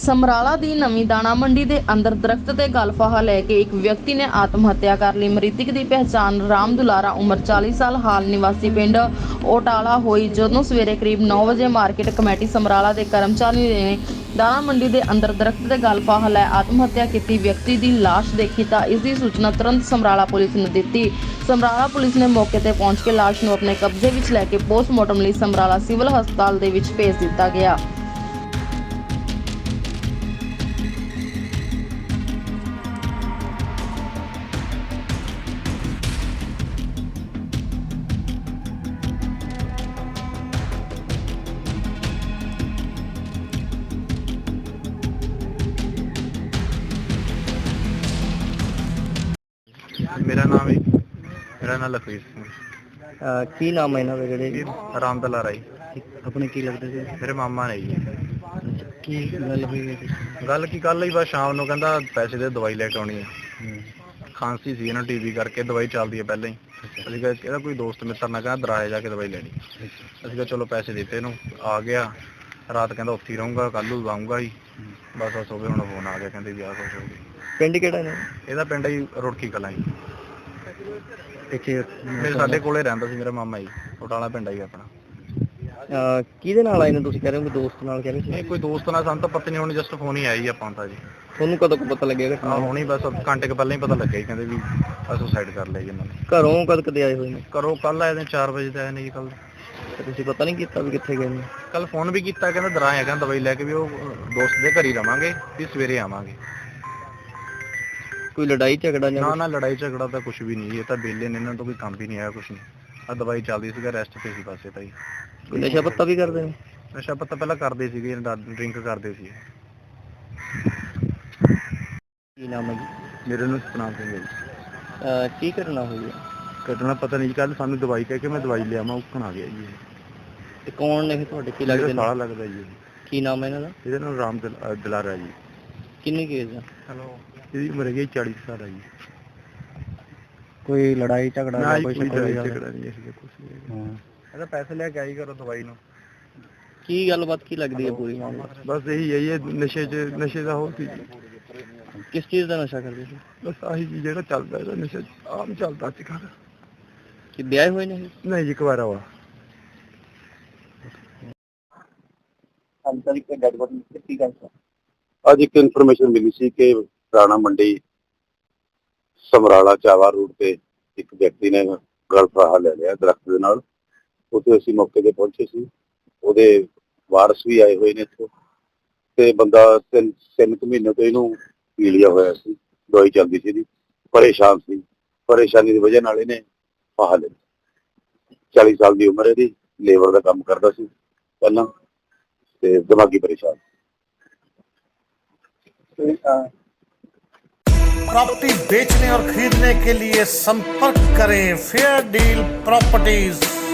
ਸਮਰਾਲਾ ਦੀ ਨਵੀਂ ਦਾਣਾ ਮੰਡੀ ਦੇ ਅੰਦਰ ਦਰਖਤ ਤੇ ਗਲ ਫਾਹਾ ਲੈ ਕੇ ਇੱਕ ਵਿਅਕਤੀ ਨੇ ਆਤਮ ਹੱਤਿਆ ਕਰ ਲਈ। ਮ੍ਰਿਤਕ ਦੀ ਪਹਿਚਾਣ ਰਾਮ ਦੁਲਾਰਾ ਉਮਰ 40 ਸਾਲ ਹਾਲ ਨਿਵਾਸੀ ਪਿੰਡ ਓਟਾਲਾ ਹੋਈ। ਜਦੋਂ ਸਵੇਰੇ ਕਰੀਬ 9 ਵਜੇ ਮਾਰਕੀਟ ਕਮੇਟੀ ਸਮਰਾਲਾ ਦੇ ਕਰਮਚਾਰੀ ਨੇ ਦਾਣਾ ਮੰਡੀ ਦੇ ਅੰਦਰ ਦਰਖਤ ਤੇ ਗਲ ਫਾਹਾ ਲੈ ਆਤਮ ਹੱਤਿਆ ਕੀਤੀ ਵਿਅਕਤੀ ਦੀ ਲਾਸ਼ ਦੇਖੀ ਤਾਂ ਇਸ ਦੀ ਸੂਚਨਾ ਤੁਰੰਤ ਸਮਰਾਲਾ ਪੁਲਿਸ ਨੂੰ ਦਿੱਤੀ। ਸਮਰਾਲਾ ਪੁਲਿਸ ਨੇ ਮੌਕੇ ਤੇ ਪਹੁੰਚ ਕੇ ਲਾਸ਼ ਨੂੰ ਆਪਣੇ ਕਬਜ਼ੇ ਵਿੱਚ ਲੈ ਕੇ ਪੋਸਟਮਾਰਟਮ ਲਈ ਸਮਰਾਲਾ ਸਿਵਲ ਹਸਪਤਾਲ ਦੇ ਵਿੱਚ ਭੇਜ ਦਿੱਤਾ ਗਿਆ। ਮੇਰਾ ਨਾਮ ਲਖਵੀਰ ਸਿੰਘ। ਕੀ ਨਾਮ ਹੈ ਇਹਨਾਂ ਦਾ ਜਿਹੜੇ ਰਾਮ ਦੁਲਾਰਾ ਜੀ, ਆਪਣੇ ਕੀ ਲੱਗਦੇ ਸੀ? ਮੇਰੇ ਮਾਮਾ ਨੇ ਜੀ। ਕੀ ਗੱਲ ਹੋਈ ਹੈ? ਗੱਲ ਕੀ ਕੱਲ ਹੀ ਬਸ ਸ਼ਾਮ ਨੂੰ ਕਹਿੰਦਾ ਪੈਸੇ ਦੇ ਦਵਾਈ ਲੈ ਕੇ ਆਉਣੀ ਹੈ। ਖਾਂਸੀ ਸੀ ਇਹਨਾਂ ਟੀਵੀ ਕਰਕੇ, ਦਵਾਈ ਚੱਲਦੀ ਹੈ ਪਹਿਲਾਂ ਹੀ। ਅਸੀਂ ਕਿਹਾ ਇਹਦਾ ਕੋਈ ਦੋਸਤ ਮਿੱਤਰ ਨਾ ਕਹਿੰਦਾ ਦਰਾਏ ਜਾ ਕੇ ਦਵਾਈ ਲੈਣੀ। ਅਸੀਂ ਕਿਹਾ ਚਲੋ ਪੈਸੇ ਦਿੱਤੇ ਇਹਨੂੰ, ਆ ਗਿਆ। ਰਾਤ ਕਹਿੰਦਾ ਉੱਥੇ ਹੀ ਰਹੂੰਗਾ, ਕੱਲ੍ਹ ਨੂੰ ਆਊਂਗਾ ਜੀ। ਬਸ ਹੋਵੇ ਹੁਣ ਫੋਨ ਆ ਗਿਆ, ਕਹਿੰਦੇ ਵੀ ਆਹ ਕੁਛ ਹੋ ਗਿਆ। ਪਿੰਡ ਕਿਹੜਾ ਨੇ? ਇਹਦਾ ਪਿੰਡ ਜੀ ਰੁੜਕੀ ਕਲਾਂ ਜੀ। ਇੱਥੇ ਸਾਡੇ ਕੋਲੇ ਰਹਿੰਦਾ ਸੀ ਮੇਰਾ ਮਾਮਾ ਜੀ। ਓਟਾਲਾ ਪਿੰਡ ਆ ਜੀ ਆਪਣਾ। ਕਿਹਦੇ ਨਾਲ ਆਏ ਨੇ? ਤੁਸੀਂ ਕਹਿ ਰਹੇ ਹੋ ਕਿ ਦੋਸਤ ਨਾਲ ਕਹਿ ਰਹੇ ਸੀ? ਨਹੀਂ, ਕੋਈ ਦੋਸਤ ਨਾਲ ਸਾਨੂੰ ਤਾਂ ਪਤਾ ਨਹੀਂ, ਹੁਣ ਜਸਟ ਫੋਨ ਹੀ ਆਇਆ ਜੀ ਆਪਾਂ ਤਾਂ ਜੀ। ਤੁਹਾਨੂੰ ਕਦੋਂ ਕੁ ਪਤਾ ਲੱਗਿਆ ਘਟਨਾ? ਹੁਣੀ ਬਸ ਘੰਟੇ ਕੁ ਪਹਿਲਾਂ ਹੀ ਪਤਾ ਲੱਗਿਆ ਜੀ, ਕਹਿੰਦੇ ਵੀ ਸੁਸਾਈਡ ਕਰ ਲਿਆ ਜੀ ਇਹਨਾਂ ਨੇ। ਘਰੋਂ ਕਦ ਕਦੇ ਆਏ ਹੋਏ ਨੇ? ਘਰੋਂ ਕੱਲ ਆਏ ਨੇ 4 ਵਜੇ ਤੇ ਆਏ ਨੇ ਜੀ। ਕੱਲ ਤੁਸੀਂ ਪਤਾ ਨਹੀਂ ਕੀਤਾ ਵੀ ਕਿੱਥੇ ਗਏ ਨੇ? ਕੱਲ ਫੋਨ ਵੀ ਕੀਤਾ, ਕਹਿੰਦਾ ਦਰਾਏ ਹੈਗਾ ਦਵਾਈ ਲੈ ਕੇ, ਵੀ ਉਹ ਦੋਸਤ ਦੇ ਘਰ ਹੀ ਰਵਾਂਗੇ, ਵੀ ਸਵੇਰੇ ਆਵਾਂਗੇ। ਕੋਈ ਲੜਾਈ ਝਗੜਾ ਜਾਂ ਨਾ ਲੜਾਈ ਝਗੜਾ ਤਾਂ ਕੁਝ ਵੀ ਨਹੀਂ ਜੀ। ਇਹ ਤਾਂ ਬੇਲੇ ਨੇ, ਇਹਨਾਂ ਤੋਂ ਕੋਈ ਕੰਮ ਵੀ ਨਹੀਂ ਆਇਆ ਕੁਝ ਨਹੀਂ। ਆ ਦਵਾਈ ਚੱਲਦੀ ਸੀਗਾ, ਰੈਸਟ ਤੇ ਸੀ ਬਸ। ਇਹ ਤਾਂ ਜੀ ਕੋਈ ਨਸ਼ਾ ਪੱਤਾ ਵੀ ਕਰਦੇ ਨੇ? ਨਸ਼ਾ ਪੱਤਾ ਪਹਿਲਾਂ ਕਰਦੇ ਸੀਗੇ, ਡਰਿੰਕ ਕਰਦੇ ਸੀ। ਕੀ ਨਾਮ ਹੈ ਜੀ? ਮੇਰੇ ਨੂੰ ਸਤਨਾਮ ਸਿੰਘ ਹੈ ਜੀ। ਕੀ ਘਟਨਾ ਹੋਈ ਹੈ? ਘਟਨਾ ਪਤਾ ਨਹੀਂ, ਕੱਲ ਸਾਨੂੰ ਦਵਾਈ ਕਹਿ ਕੇ ਮੈਂ ਦਵਾਈ ਲਿਆਵਾਂ, ਉੱਕਣ ਆ ਗਿਆ ਜੀ। ਤੇ ਕੌਣ ਨੇ ਤੁਹਾਡੇ? ਕੀ ਲੱਗਦਾ ਲੱਗਦੇ ਨੇ? ਸਾਲਾ ਲੱਗਦਾ ਜੀ। ਕੀ ਨਾਮ ਹੈ ਇਹਨਾਂ ਦਾ? ਇਹਦਾ ਨਾਮ ਰਾਮ ਦੁਲਾਰਾ ਜੀ। ਕਿੰਨੀ ਕੇਸ ਆ? ਹੈਲੋ, ਇਹਦੀ ਉਮਰ ਹੈਗੀ 40 ਸਾਲ ਹੈ ਜੀ। ਕੋਈ ਲੜਾਈ ਝਗੜਾ ਜਾਂ ਕੋਈ ਲੜਾਈ ਝਗੜਾ ਨਹੀਂ ਹੈ ਕੁਝ ਨਹੀਂ। ਇਹਦਾ ਪੈਸੇ ਲੈ ਕੇ ਆਈ ਕਰੋ ਦਵਾਈ ਨੂੰ। ਕੀ ਗੱਲਬਾਤ ਕੀ ਲੱਗਦੀ ਹੈ ਪੂਰੀ ਮਾਮਲਾ? ਬਸ ਇਹੀ ਹੈ, ਇਹ ਨਸ਼ੇ ਦਾ ਹੋ ਸੀ। ਕਿਸ ਚੀਜ਼ ਦਾ ਨਸ਼ਾ ਕਰਦੇ ਸੀ? ਬਸ ਆਹੀ ਜੀ ਜਿਹੜਾ ਚੱਲਦਾ, ਇਹਦਾ ਨਸ਼ਾ ਆਮ ਚੱਲਦਾ ਅੱਜ ਕੱਲ੍ਹ। ਕਿ ਵਿਆਹ ਹੋਏ ਨੇ? ਨਹੀਂ ਜੀ, ਕੁਆਰਾ ਵਾ। ਅੱਜ ਇੱਕ ਇਨਫੋਰਮੇਸ਼ਨ ਮਿਲੀ ਸੀ ਕਿ ਰਾਣਾ ਮੰਡੀ ਸਮਰਾਲਾ ਚਾਵਾ ਰੋਡ ਤੇ ਇੱਕ ਵਿਅਕਤੀ ਨੇ ਗਲ ਫਾਹਾ ਲੈ ਲਿਆ ਦਰਖਤ ਦੇ ਨਾਲ। ਉੱਥੇ ਅਸੀਂ ਮੌਕੇ ਤੇ ਪਹੁੰਚੇ ਸੀ। ਉਹਦੇ ਵਾਰਸ ਵੀ ਆਏ ਹੋਏ ਨੇ ਇੱਥੇ, ਤੇ ਬੰਦਾ 3 ਮਹੀਨੇ ਤੋਂ ਇਹਨੂੰ ਪੀਲਿਆ ਹੋਇਆ ਸੀ, ਦਵਾਈ ਚੱਲਦੀ ਸੀ ਇਹਦੀ। ਪਰੇਸ਼ਾਨ ਸੀ, ਪਰੇਸ਼ਾਨੀ ਦੀ ਵਜ੍ਹਾ ਨਾਲ ਇਹਨੇ ਫਾਹਾ ਲਿਆ। 40 ਸਾਲ ਦੀ ਉਮਰ ਇਹਦੀ, ਲੇਬਰ ਦਾ ਕੰਮ ਕਰਦਾ ਸੀ ਪਹਿਲਾਂ, ਤੇ ਦਿਮਾਗੀ परेशान। प्रॉपर्टी बेचने और खरीदने के लिए संपर्क करें फेयर डील प्रॉपर्टीज।